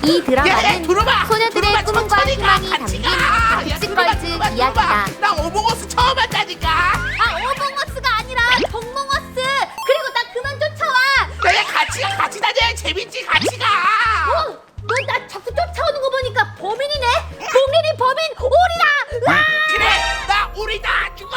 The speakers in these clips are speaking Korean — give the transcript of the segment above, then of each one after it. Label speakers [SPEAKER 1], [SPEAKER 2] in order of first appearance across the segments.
[SPEAKER 1] 이 드라마는
[SPEAKER 2] 두루마!
[SPEAKER 1] 소녀들의 꿈과
[SPEAKER 2] 천천히가
[SPEAKER 1] 희망이
[SPEAKER 2] 같이
[SPEAKER 1] 담긴
[SPEAKER 2] 가!
[SPEAKER 1] 백식걸즈 이야기다.
[SPEAKER 2] 나 오봉어스 처음 한다니까!
[SPEAKER 1] 아, 오봉어스가 아니라 덕몽어스. 그리고 나 그만 쫓아와.
[SPEAKER 2] 야 같이 가! 같이 다녀야 재밌지! 같이 가!
[SPEAKER 1] 너 나 자꾸 쫓아오는 거 보니까 범인이네. 몽린이 범인 오리다. 으아!
[SPEAKER 2] 그래! 나 우리다! 죽어!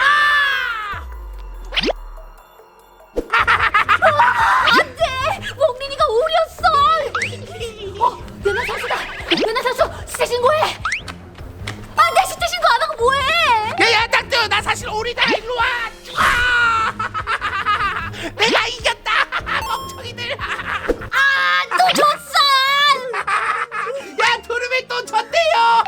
[SPEAKER 1] 안돼. 몽린이가 오리였어. 연하 선수다. 연하 선수 시체 신고해. 안돼, 시체 신고 안 하고 뭐해?
[SPEAKER 2] 야야 딱들 나 사실 오리다! 일로 와! 죽어! 내가 이겼다! 멍청이들!
[SPEAKER 1] 또 졌어.
[SPEAKER 2] 야 두루미 또 졌대요!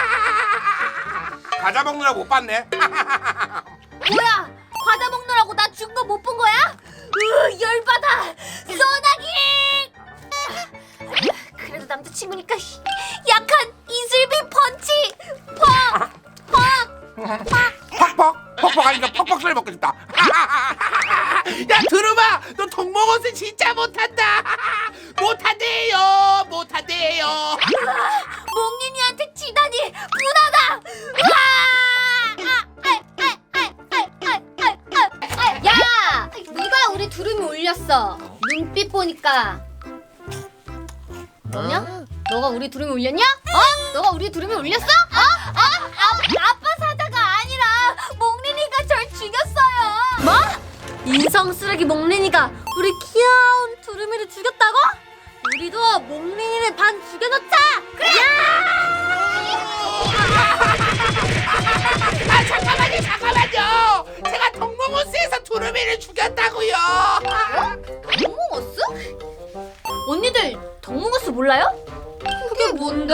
[SPEAKER 3] 과자 먹느라 못 봤네.
[SPEAKER 1] 뭐야? 과자 먹느라고 나 죽은 거 못 본 거야? 열받아. 소나기. 그래도 남자친구니까 약한 이슬비 펀치.
[SPEAKER 3] 퍽퍽 하니까 퍽퍽 소리 먹고 싶다.
[SPEAKER 2] 야 두루마 너 동먹어서 진짜 못한다! 못한대요! 못한대요!
[SPEAKER 1] 몽린이한테 지다니 분하다. 야, 누가 우리 두루미 올렸어? 눈빛 보니까 너냐? 너가 우리 두루미 올렸냐? 너가 우리 두루미 올렸어? 아빠 사자가 아니라 몽린이가 절 죽였어요. 뭐? 인성 쓰레기 몽린이가 우리 귀여운 두루미를 죽였다고? 우리도 몽린이를 반 죽여놓자. 그래.
[SPEAKER 2] 아 잠깐만요! 제가 동먹어스에서 두루미를 죽였다고요!
[SPEAKER 1] 덕몽어스? 언니들 덕몽어스 몰라요? 그게 뭔데?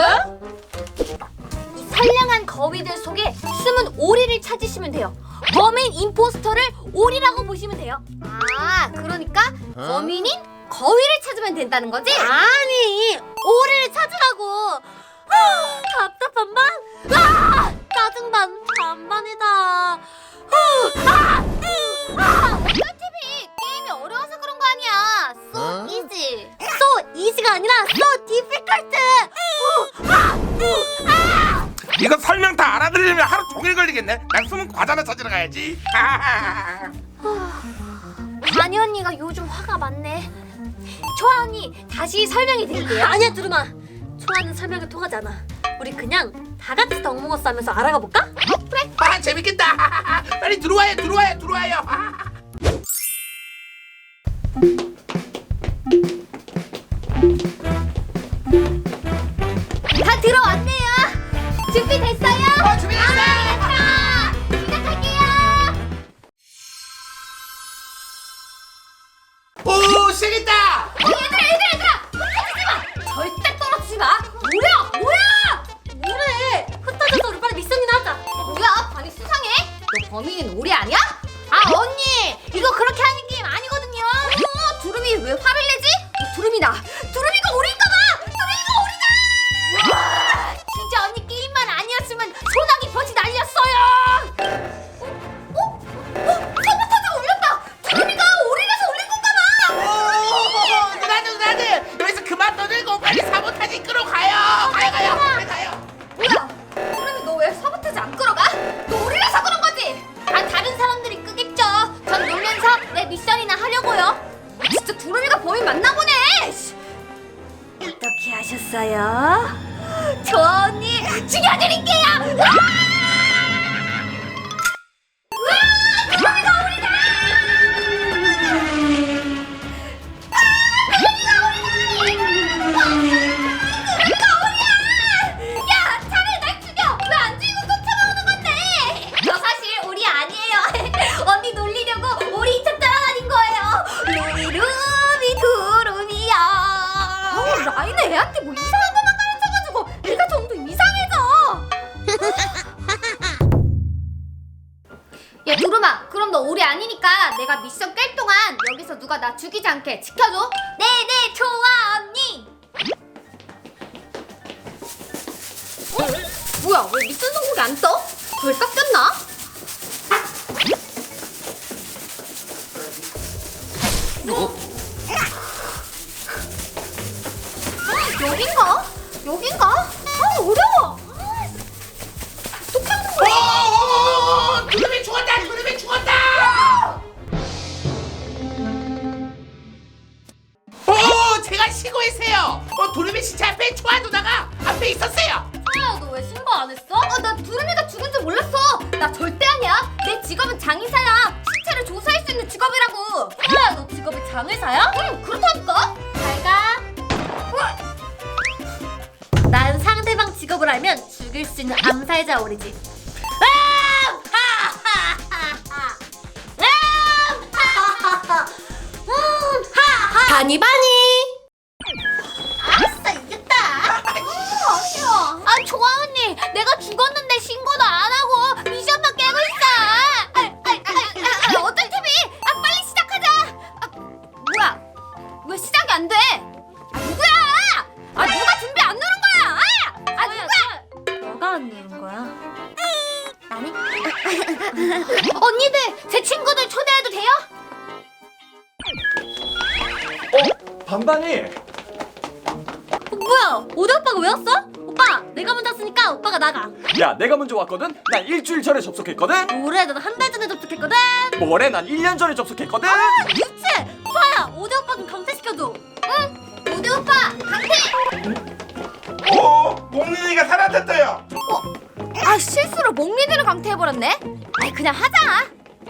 [SPEAKER 1] 이 선량한 거위들 속에 숨은 오리를 찾으시면 돼요. 범인 임포스터를 오리라고 보시면 돼요. 아, 그러니까 범인인 거위를 찾으면 된다는 거지? 아니, 오리를 찾으라고. 답답한 반? 짜증반 반반이다. TV 게임이 어려워서 그런 거 아니야. So easy. So easy가 아니라 so difficult.
[SPEAKER 3] 이거 설명 다 알아들으려면 하루 종일 걸리겠네. 난 숨은 과자나 찾으러 가야지.
[SPEAKER 1] 바니 언니가 요즘 화가 많네. 초아 언니 다시 설명해 드릴게요. 아니야 두루마. 초아는 설명이 통하지 않아. 우리 그냥 다 같이 덕몽어스 하면서 알아가 볼까? 그래.
[SPEAKER 2] 아 재밌겠다! 빨리 들어와요!
[SPEAKER 1] 다 들어왔네요. 준비됐어요?
[SPEAKER 2] 준비됐어요!
[SPEAKER 1] 시작할게요.
[SPEAKER 2] 오 시작했다!
[SPEAKER 1] 얘들아 흩어지지 마. 절대 떨어지지 마. 뭐야 뭐래. 흩어져서 우리 빨리 미션이나 하자. 뭐야, 반이 수상해? 너 범인은 오리 아니야? 아 언니, 이거 그렇게 하는 게임 아니거든요. 두루미 왜 화를 내지? 두루미다. 두루미가 오리인가봐. 두루미가 오리다. 와, 진짜 언니 게임만 아니었으면 소나기 볕이 날렸어요. 사보타지 올렸다. 두루미가 오리라서 올린 건가봐.
[SPEAKER 2] 누나들 여기서 그만 떠들고 빨리 사보타지 끌어가요! 가요!
[SPEAKER 1] 뭐야? 두루미 너 왜 사보타지 안 끌어가? 너 오리라서 그런 거지? 다른 사람들이 끄겠죠. 전 놀면서 내 미션이나 하려고요. 진짜 두루미가 범인 맞나 보네. 어떻게 하셨어요? 좋아 언니, 죽여드릴게요. 두루미가 오리다. 야, 차라리 날 죽여! 왜 안 죽이고 쫓아오는 건데? 저 사실 오리 아니에요. 언니 놀리려고 오리 이차 따라다닌 거예요. 루미 두루미야. 라인 애한테 뭐 이상한 것만 가르쳐가지고 애가 점점 이상해져. 야 두루마, 그럼 너 오리 아니니까 내가 미션 깰 동안 여기서 누가 나 죽이지 않게 지켜줘. 네네, 좋아 언니. 뭐야, 왜 미션 성공이 안 떠? 왜 깎였나? 여긴가? 여긴가? 아 어려워. 어떻게 하는 거야?
[SPEAKER 2] 두루미 죽었다. 두루미 죽었다. 제가 신고했어요. 두루미 시체 앞에 초아 누나가 앞에 있었어요.
[SPEAKER 1] 소아야 너 왜 신고 안 했어? 나 두루미가 죽은 줄 몰랐어. 나 절대 아니야. 내 직업은 장의사야. 시체를 조사할 수 있는 직업이라고. 소아야 너 직업이 장의사야? 응 그렇다니까. 잘 가. 난 상대방 직업을 알면 죽일 수 있는 암살자 오리지. 바니바니. 아싸 이겼다. 아쉬워. 아 좋아 언니. 내가 죽었는데 신고도 안 하고 미션만 깨고 있어. 어떤 TV? 빨리 시작하자. 뭐야? 왜 시작이 안 돼? 누구야? 누가 준비 안 누른 거야? 누구야? 너가 안 누른 거야? 나는? 언니들 제 친구들 초대해도 돼요?
[SPEAKER 4] 반반이.
[SPEAKER 1] 뭐야? 오대 오빠가 왜 왔어? 오빠 내가 먼저 왔으니까 오빠가 나가.
[SPEAKER 4] 야, 내가 먼저 왔거든. 난 일주일 전에 접속했거든.
[SPEAKER 1] 뭐래? 난 한 달 전에 접속했거든.
[SPEAKER 4] 뭐래? 난 1년 전에 접속했거든.
[SPEAKER 1] 유치! 소아야 오대 오빠 좀 강퇴시켜줘. 응? 오대 오빠 강퇴!
[SPEAKER 3] 몽린이가 사라졌어요.
[SPEAKER 1] 실수로 목리들을 강퇴해버렸네? 그냥 하자.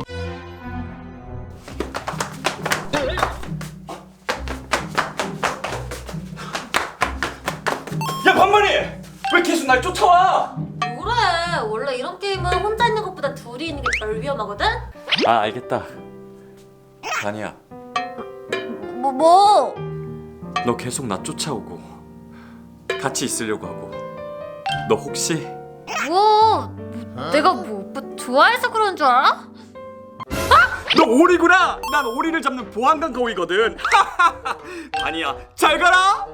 [SPEAKER 4] 야, 반반이. 왜 계속 날 쫓아와?
[SPEAKER 1] 뭐래? 원래 이런 게임은 혼자 있는 것보다 둘이 있는 게 덜 위험하거든?
[SPEAKER 4] 아, 알겠다. 아니야.
[SPEAKER 1] 뭐?
[SPEAKER 4] 너 계속 나 쫓아오고 같이 있으려고 하고. 너 혹시
[SPEAKER 1] 내가 오빠 좋아해서 그런 줄 알아?
[SPEAKER 4] 너 오리구나. 난 오리를 잡는 보안관 거위거든. 아니야. 잘 가라.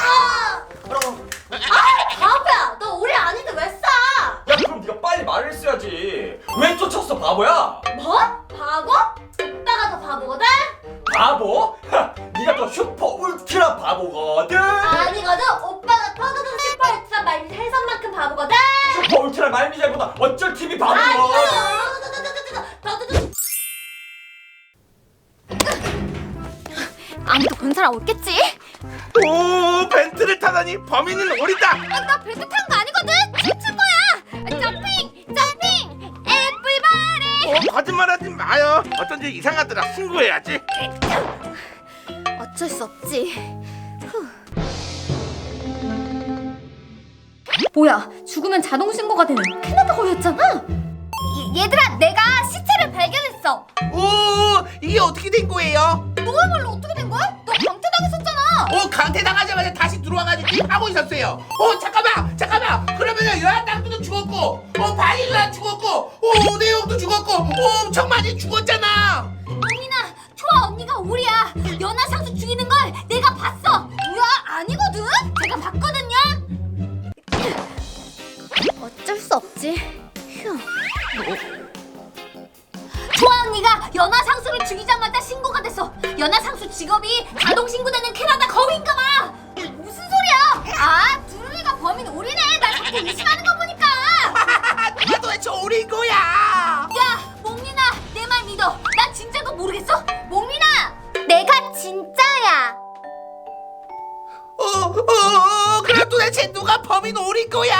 [SPEAKER 1] 바보야! 너 오래 아닌데 왜 싸?
[SPEAKER 4] 야, 그럼 네가 빨리 말을 했어야지. 왜 쫓았어, 바보야?
[SPEAKER 1] 뭐? 바보? 오빠가 더 바보거든?
[SPEAKER 4] 바보? 네가 더 슈퍼 울트라 바보거든.
[SPEAKER 1] 아니거든? 오빠가 터드든 슈퍼 울트라 말미 해선만큼 바보거든?
[SPEAKER 4] 슈퍼 울트라 말미잘보다 어쩔 TV 바보거든.
[SPEAKER 1] 아니거든! 아무도 본 사람 없겠지?
[SPEAKER 3] 벤트를 타다니 범인은 오리다.
[SPEAKER 1] 나 벨트 탄 거 아니거든? 춤춘 거야! 점핑! 애플바리!
[SPEAKER 3] 거짓말하지 마요. 어쩐지 이상하더라. 신고해야지.
[SPEAKER 1] 어쩔 수 없지. 뭐야, 죽으면 자동 신고가 되는 캐나다 거위였잖아. 얘들아, 내가 시체를 발견했어.
[SPEAKER 2] 이게 어떻게 된 거예요?
[SPEAKER 1] 너야말로 어떻게 된 거야? 너 강퇴당했었잖아.
[SPEAKER 2] 강퇴당하자마자 다시 들어와가지고 게임하고 있었어요. 잠깐만. 그러면은 여한당도 죽었고, 바닐라 죽었고, 오대용도 죽었고, 엄청 많이 죽었잖아.
[SPEAKER 1] 언니나, 초아 언니가 오리야. 연하상수 죽이는 걸 내가 봤어. 뭐야, 아니거든? 제가 봤거든요. 어쩔 수 없지. 휴. 초아 언니가 연하상수를 죽이자마자 신고가 됐어. 연하상수 직업이 자동 신고되는 캐나다 거위인가 봐. 무슨 소리야? 두루미가 범인 오리네. 날 자꾸 의심하는 거 보니까.
[SPEAKER 2] 누가 도대체 오린 거야?
[SPEAKER 1] 야, 몽민아, 내 말 믿어. 나 진짜인 거 모르겠어? 몽민아, 내가 진짜야.
[SPEAKER 2] 그럼 도대체 누가 범인 오린 거야?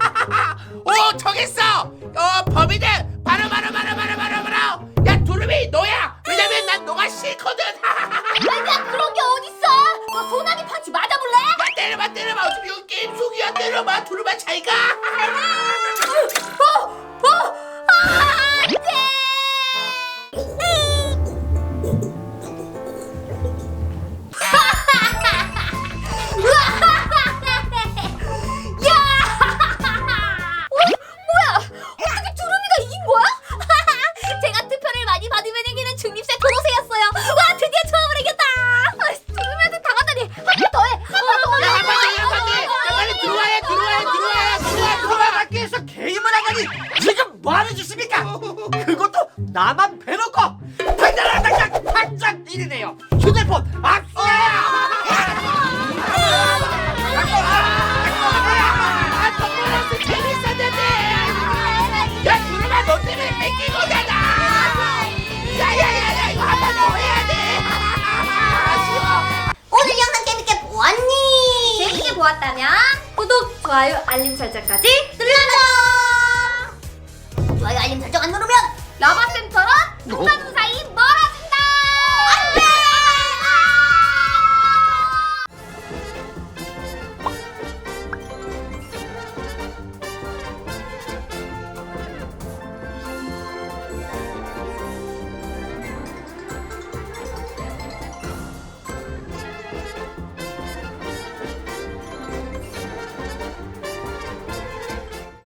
[SPEAKER 2] 정했어. 범인은 바로. 야, 두루미 너야. 왜냐면 난 너가 싫거든.
[SPEAKER 1] 아니야, 그런 게 어딨어? 너 소나기 펀치 맞아볼래?
[SPEAKER 2] 때려봐. 어차피 이거 게임 속이야. 때려봐. 두루마 잘 가.
[SPEAKER 1] 안 돼! 뭐야? 어떻게 두루미가 이긴 거야? 제가 투표를 많이 받으면 이기는 중립세 도로새였어요. 와, 드디어 처음으로 이겼다. 두루미한테 당하다니. 한 번 더 해. 한 번 더 해.
[SPEAKER 2] 야, 빨리 들어와.
[SPEAKER 5] 밖에서 게임을 하다니 지금 뭐 하는 짓입니까? 그것도 나만 배놓고 반장 일이네요. 휴대폰 압수해요.
[SPEAKER 1] 좋아요, 알림 설정까지 눌러줘.
[SPEAKER 6] 좋아요 알림 설정 안 누르면
[SPEAKER 1] 라바센터랑